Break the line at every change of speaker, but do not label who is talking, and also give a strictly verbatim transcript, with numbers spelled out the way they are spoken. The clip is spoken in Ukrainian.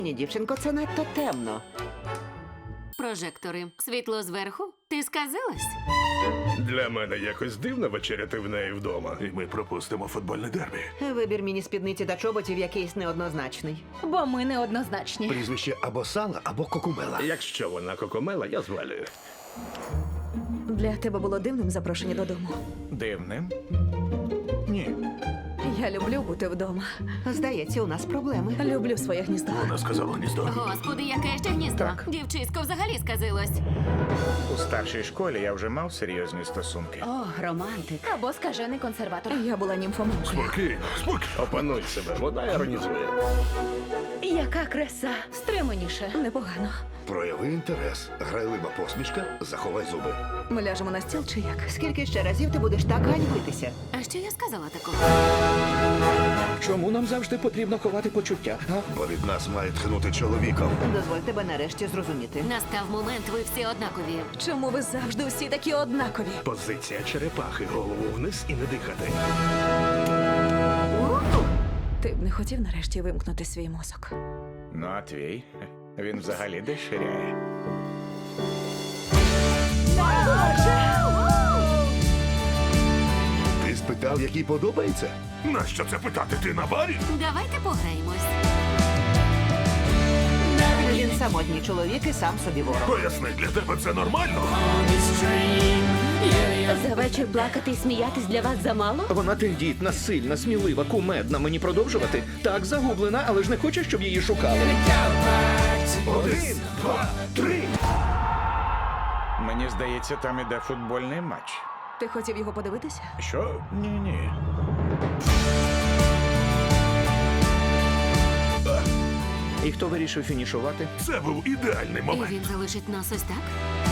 Ні, дівчинко, це надто темно.
Прожектори. Світло зверху? Ти сказилась?
Для мене якось дивно вечеряти в неї вдома. І ми пропустимо футбольне дербі.
Вибір міні-спідниці та чоботів якийсь неоднозначний.
Бо ми неоднозначні.
Прізвище або Сала, або Кокумела.
Якщо вона кокомела, я звалюю.
Для тебе було дивним запрошення додому.
Дивним? Ні.
Я люблю бути вдома.
Здається, у нас проблеми.
Люблю своє гніздо.
Вона сказала гніздо.
Господи, яке ще гніздо. Дівчисько взагалі сказилось.
У старшій школі я вже мав серйозні стосунки.
О, романтик.
Або скажений консерватор. Я була німфоманкою.
Спокійно, спокійно. Опануй себе, вона іронізує.
Яка краса. Стриманіше. Непогано.
Прояви інтерес. Грайлива посмішка, заховай зуби.
Ми ляжемо на стіл чи як?
Скільки ще разів ти будеш так ганьбитися?
А що я сказала такого?
Чому нам завжди потрібно ховати почуття? А?
Бо від нас має тхнути чоловіком.
Дозволь тебе нарешті зрозуміти.
Настав момент, ви всі однакові.
Чому ви завжди всі такі однакові?
Позиція черепахи, голову вниз і не дихати.
Ти б не хотів нарешті вимкнути свій мозок?
Ну, а твій? Він взагалі деширяє.
Ти спитав, який подобається?
Нащо це питати? Ти на барі?
Давайте пограємось.
Він самотній чоловік і сам собі ворог.
Поясни, для тебе це нормально?
За вечір плакати і сміятись для вас замало?
Вона тендітна, сильна, смілива, кумедна. Мені продовжувати? Так, загублена, але ж не хоче, щоб її шукали.
Один, два, три.
Мені здається, там іде футбольний матч.
Ти хотів його подивитися?
Що?
Ні-ні.
І хто вирішив фінішувати?
Це був ідеальний
І
момент.
він залишить нас ось так?